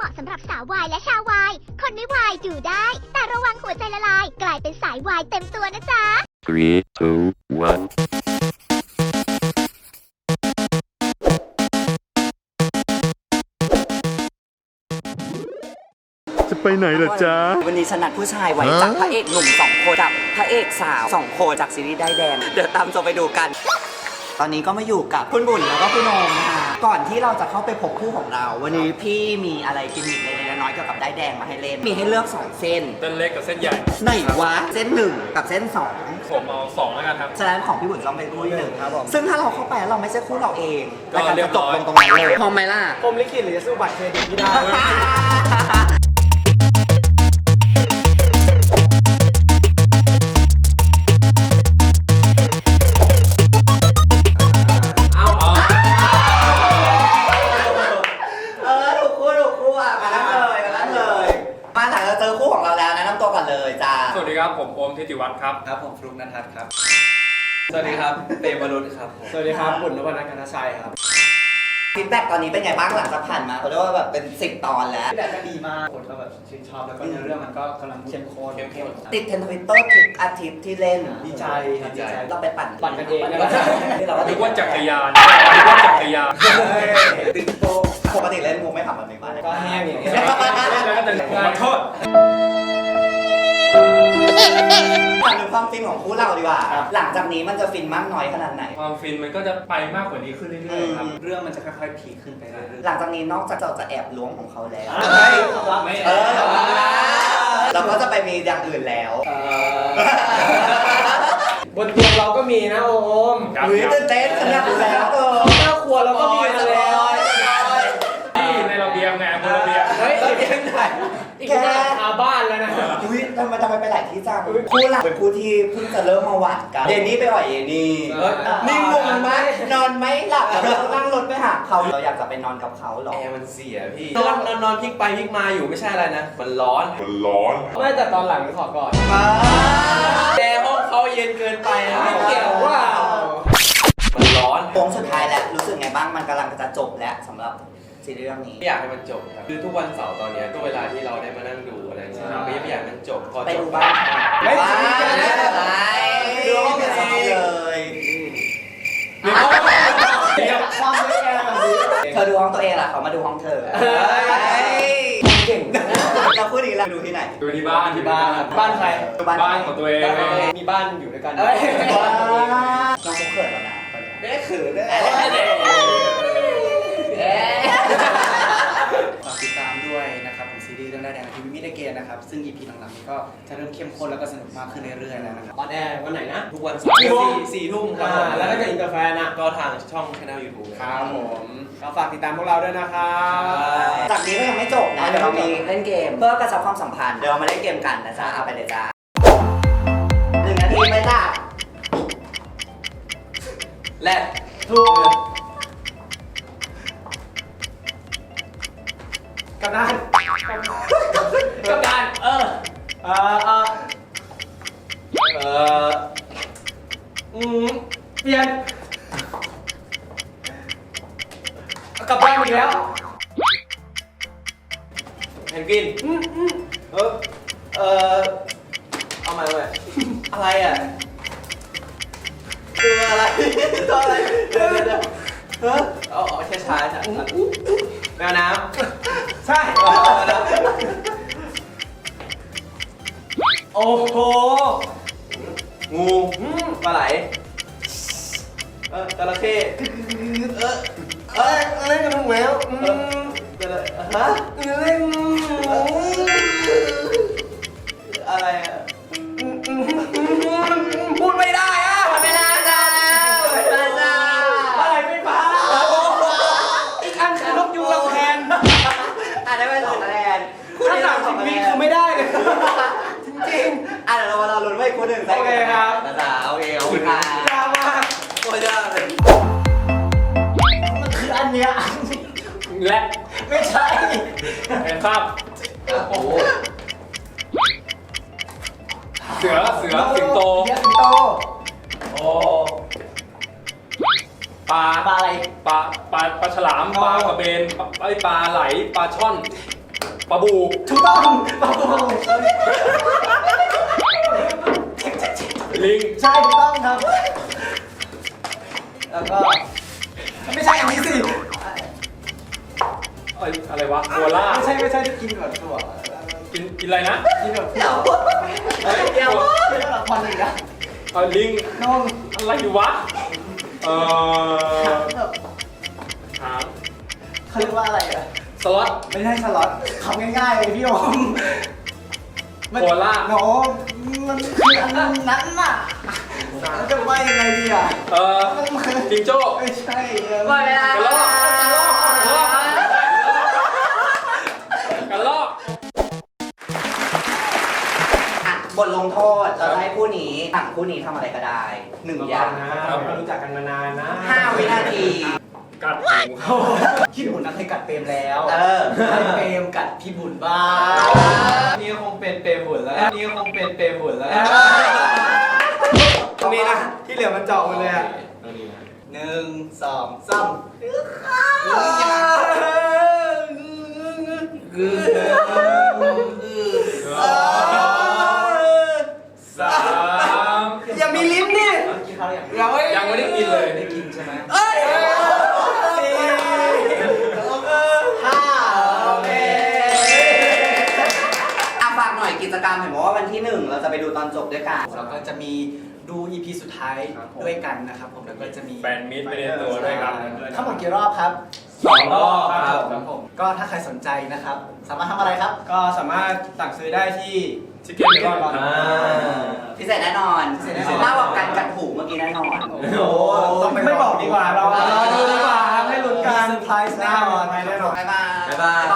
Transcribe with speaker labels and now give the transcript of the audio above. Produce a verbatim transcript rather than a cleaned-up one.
Speaker 1: มาะสำหรับสาววายและชาววายคนไม่วายดูได้ แต่ระวังหัวใจละลาย กลายเป็นสายวายเต็มตัวนะจ๊ะ
Speaker 2: three two one
Speaker 3: จะไปไหนล่ะจ๊ะ
Speaker 4: วันนี้ฉันนัดผู้ชายไว้จากพระเอกหนุ่มสองคนกับพระเอกสาวสองคนจากซีรีส์ได้แดงเดี๋ยวตามชมไปดูกันตอนนี้ก็มาอยู่กับคุณบุญแล้วก็คุณโอมนะคะก่อนที่เราจะเข้าไปพบคู่ของเราวันนี้พี่มีอะไรกิมมิคเล็กๆน้อยๆเกี่ยวกับได้แดงมาให้เล่นมีให้เลือกสองเส้น
Speaker 5: เส้นเล็กกับเส้นใหญ่
Speaker 4: ไหนวะเส้นหนึ่งกับเส้นสอง
Speaker 5: ผมเอาสองแล้วกันครับ
Speaker 4: ฉะนั้นของพี่บุญต้องเป็นคู่ที่หนึ่ง
Speaker 5: ครับผม
Speaker 4: ซึ่งถ้าเราเข้าไปแล้วเราไม่ใช่คู่เราเอง
Speaker 5: ก็
Speaker 4: รายการ
Speaker 5: เรีย
Speaker 4: จะ
Speaker 5: บ
Speaker 4: จ
Speaker 5: ร้
Speaker 4: บ
Speaker 5: อย
Speaker 4: ลงตรงนั้นเลยพร้อมไหมล่ะ
Speaker 6: ผมลิขิตหรือจะสู้บัตรเครดิตที่ได้
Speaker 4: เออถูกคู่ถูกคู่อ่ะมาแล้วเลยมาแล้วเลยมาหลังเราเจอคู่ของเราแล้วแนะนำตัวก่อนเลยจ้า
Speaker 5: สวัสดีครับผมโอมทิติวัฒน์ครับ
Speaker 6: ครับผมฟลุกนันทัศน์ครับ สวัสดีครับเปย์วรุษครับ สวัสดีครับบุญนวรรณกันชัยครับ
Speaker 4: ฟีดแบ็กตอนนี้เป็นไงบ้างหลังจากผ่านมาเขาเรียกว่าแบบเป็นสิบตอนแล้ว
Speaker 6: ที่แบบก็ดีมาก คนก็แบบชื่นชอบแล้วก็เนื้อเรื่องมันก็กำลังเข้มข้นเข้มข้น
Speaker 4: ติดเทรนด์ทวิตเตอร์ทุกอาทิตย์ที่เล่น
Speaker 6: ดีใจครับดีใจ
Speaker 4: เราไปปั่น
Speaker 6: ปั่นกันเอง
Speaker 4: เราก็
Speaker 5: นึ
Speaker 4: ติ
Speaker 5: ก
Speaker 4: ด
Speaker 5: ว่าจักรยานนึกว่าจักรยาน
Speaker 4: ติดโตปกติเล่นมุกไม่ทำแบบนี้ป่ะ
Speaker 6: ก็แห้งอย่างเงี้ย
Speaker 5: แล้วก็จะขอโทษ
Speaker 4: ถามถึงความฟินของคู่เราดีกว่า หลังจากนี้มันจะฟินมากน้อยขนาดไหน
Speaker 5: ความฟินมันก็จะไปมากกว่านี้ขึ้นเรื่อยๆครับ
Speaker 6: เรื่องมันจะค่อยๆพีคขึ้นไปเรื่อย
Speaker 4: หลังจากนี้นอกจากเราจะแอบล้วงของเขาแล้ว
Speaker 6: ๆไม่รับไม่
Speaker 4: เออเราก็จะไปมีอย่างอื่นแล้ว
Speaker 6: บนเตียงเราก็มีนะโอม
Speaker 5: ครับ
Speaker 4: อุ้ยตื่นเต้นขนาดนั้นแล้วเออ
Speaker 6: หน้าครัวเราก็มีมาแล้ว
Speaker 5: ที่ในระเบียงไงบนระเบียง
Speaker 6: เฮ้ยเราเยังไงอีกแค่คาบ้านแล้วนะ
Speaker 4: อุ้ยทำไมทำไมไปหลายที่จังคู่หลักเป็นคู่ที่เพิ่งจะเริ่มมาวัดกันเดนนี่ไปอ่อยเยนี่
Speaker 6: เอ้ย
Speaker 4: นิ่งงงไหมนอนไม่หลับเรานั่งรถไปหาเขาเราอยากจะไปนอนกับเขาหรอ
Speaker 7: แอร์มันเสียพี่นอนนอนนอนพลิกไปพลิกมาอยู่ไม่ใช่อะไรนะ มันร้อน
Speaker 6: ไม่แต่ตอนหลังขอก่อน
Speaker 7: แอร์ห้องเขาเย็นเกินไปนะ
Speaker 6: ไม่เกี่ยวว่า
Speaker 7: มันร้อน
Speaker 4: โค้งสุดท้ายแล้วรู้สึกไงบ้างมันกำลังจะจบแล้วสำหรับซีรีส์เรื่องนี้
Speaker 7: ไม่อยากให้มันจบครับคือทุกวันเสาร์ตอนเนี้ยก็เวลาที่เราได้มานั่งดูอะไรเงี้ยเราก็ยังไม่อยากให้มันจบพอ
Speaker 4: ไป
Speaker 7: จ
Speaker 4: ดู
Speaker 7: บ
Speaker 4: บ้าง
Speaker 6: ไม่
Speaker 4: ว้า
Speaker 6: ไม่
Speaker 4: ไม่เป็นไร
Speaker 7: ดูห้อง
Speaker 4: ไม่
Speaker 7: สิ
Speaker 4: เป็นไรเลย
Speaker 5: เดี๋ยว
Speaker 6: ความไม่แอร์แบบนี้
Speaker 4: เธอดูห้องตัวเองล่ะเขามาดูห้องเธอ
Speaker 6: เก่ง
Speaker 4: เราพูดอีกแล้วดูที่ไหน
Speaker 5: ดูที่บ้านที่บ้าน
Speaker 6: บ้านใคร
Speaker 5: บ้านของตัวเอง
Speaker 6: มีบ้านอยู่ด้วยกัน
Speaker 4: เอ้ยน้องเขาเขินแล้วนะตอนเนี้ย
Speaker 7: ไม่ได้ขืนเลย
Speaker 6: ฝากติดตามด้วยนะครับผมซีรีส์เรื่องได้แดงทีวีมิเดเกนนะครับซึ่ง อี พี หลังๆนี้ก็จะเริ่มเข้มข้นแล้วก็สนุกมากขึ้นเรื่อยๆแล้วนะครับออนแอร์วันไหนนะ
Speaker 7: ทุกวันเสาร์
Speaker 6: กี่โมง
Speaker 7: สี่สี่ทุ่มครับ
Speaker 6: อ่า
Speaker 7: ผม
Speaker 6: แล้วก็จะอินเตอร์แฟนอ่ะ
Speaker 7: ก็ทางช่องช่องยูทูบ
Speaker 6: ครับผมก็ฝากติดตามพวกเราด้วยนะครับ
Speaker 4: จากนี้ก็ยังไม่จบนะเดี๋ยวเรามีเล่นเกมเพื่อกระชับความสัมพันธ์เดี๋ยวเรามาเล่นเกมกันนะจ๊ะเอาไปเลยจ้าหนึ่งนาทีไหมจ้า
Speaker 7: และ
Speaker 6: ถูกกับด้านกับด้านเออเออเออ
Speaker 7: เอ่อ
Speaker 6: อืมเปลี่ยนกลับบ้านอีกแล้ว
Speaker 7: เพนกวิน
Speaker 6: อืมอืม
Speaker 7: เออเอ่อเอาใหม่เอาใหม่อะไรอ่ะคืออะไรตัวอะไรเดี๋ยวเดี๋ยวเดี๋ยวเฮ้ยเอาเอาช้าช้าๆจ้ะแมวน้ำ
Speaker 6: ใช่
Speaker 7: เอาเอาแล้ว
Speaker 6: โอ้โห
Speaker 7: งูปลาไหลเออจระเข้เออเอ้ยเล่นกับลูกแมวอืมจระฮะเล่นอะไรอ่ะพูดไม่ได้อ่ะ
Speaker 4: เวลาจ้าเวลาจ้า
Speaker 6: อะไรไม่ฟ้าอีกอันคือนกยูงลำแพน
Speaker 4: อ่ะได้ไปสองคะแนน
Speaker 6: ถ้าสามสิบวิคือไม่ได้เลย
Speaker 4: จริงๆอ่ะเดี๋ยวเรามาเราลุ้นไว้คู่หนึ่ง
Speaker 6: โอเคครับ
Speaker 4: นะจ๊ะโอเคขอบคุณค่ะ
Speaker 6: ยากมาก
Speaker 7: โคตรยากเลย
Speaker 6: มันคืออันเนี้ย
Speaker 5: และ
Speaker 6: ไม่ใช่
Speaker 5: เห็นครับ
Speaker 7: โอ้โห
Speaker 5: เสือเสือสิงโต
Speaker 6: เสือสิงโต
Speaker 5: โอ้ปลา
Speaker 6: ปลาอะไร
Speaker 5: ปลาปลาปลาฉลามปลากระเบนปลาไอ้ปลาไหลปลาช่อนปลาบู
Speaker 6: ถูกต้องปลาบู
Speaker 5: ลิง
Speaker 6: ใช่ถูกต้องครับ แล้วก็ไม่ใช่อันนี้สิ
Speaker 5: เอ้ยอะไรวะโคล่า
Speaker 6: ไม่ใช่ไม่ใช่ที่กินแบบตัว
Speaker 5: กินกินอะไรนะ
Speaker 6: กินแบบ
Speaker 4: เดี๋ยว
Speaker 5: เฮ้ย
Speaker 4: เดี๋ยว
Speaker 6: ไม่ต้องละครอีกอะ
Speaker 5: เออลิง
Speaker 6: น้อง
Speaker 5: อะไรอยู่วะเออ
Speaker 6: แบบ
Speaker 5: ถาม
Speaker 6: เขาเรียกว่าอะไรอะ
Speaker 5: สล็อต
Speaker 6: ไม่ใช่สล็อตคำง่ายๆเลยพี่โอมมัน
Speaker 5: โคล่า
Speaker 6: โน้มันคืออันนั้นน่ะแล้วจะว่ายังไงดีอ่ะ
Speaker 5: เออจิงโจ้
Speaker 6: ไม่ใช่
Speaker 4: หมดเวลาก
Speaker 5: ระรอกกระรอกกระรอก
Speaker 4: อ่ะบทลงโทษเราจะให้ผู้นี้สั่งผู้นี้ทำอะไรก็ได้หนึ่งอย่าง
Speaker 7: เรารู้จักกันมานานนะ
Speaker 4: ห้าวินาที
Speaker 5: กัดหูเขา
Speaker 6: พี่บุญนะเคยกัดเปรมแล้ว
Speaker 4: เออ
Speaker 6: ให้เปรมกัดพี่บุญบ้าง
Speaker 7: นี่คงเป็นเปรมบุญแล้ว นี่คงเป็นเปรมบุญแล้ว ตรงนี้นะ ที่เหลือมันเจาะหมดเลยอ่ะ
Speaker 5: ตรงนี้นะ
Speaker 6: หนึ่งสองสาม
Speaker 5: สาม
Speaker 7: อย่ามีลิ้นนี่
Speaker 6: กินข้าวอย่าง
Speaker 7: เรา
Speaker 5: ยังไม่ได้กินเลย
Speaker 6: ได้กินใช่ไหม
Speaker 7: สี่ห้าโอเค
Speaker 4: อ่ะฝากหน่อยกิจกรรมเห็นบอกว่าวันที่หนึ่งเราจะไปดูตอนจบด้วยกัน
Speaker 6: แล้วก็จะมีดู อี พี สุดท้ายด้วยกันนะครับผมแล้วก็จะมี
Speaker 5: แฟนมิตรไปในตัวด้วยครับ
Speaker 6: ทั้งหมดกี่รอบครับ
Speaker 7: สองรอบครับ
Speaker 6: ครับผมก็ถ้าใครสนใจนะครับ สามารถทำอะไรครับ
Speaker 7: ก็สามารถสั่งซื้อได้ที่
Speaker 5: ชิคเก้นเบคอน
Speaker 7: อ่า
Speaker 4: พิเศษแน่นอน
Speaker 6: พิเศษแน่นอน
Speaker 4: มากกว่าการกัดหูเมื่อกี้แน่นอน
Speaker 7: โอ้โหไม่บอกดีกว่า เราเราดูดีกว่าครับให้ลุ้นกัน
Speaker 6: มีเซอร์ไพรส์แน่นอน
Speaker 7: แน่นอน
Speaker 4: บ๊ายบาย
Speaker 7: บ๊ายบาย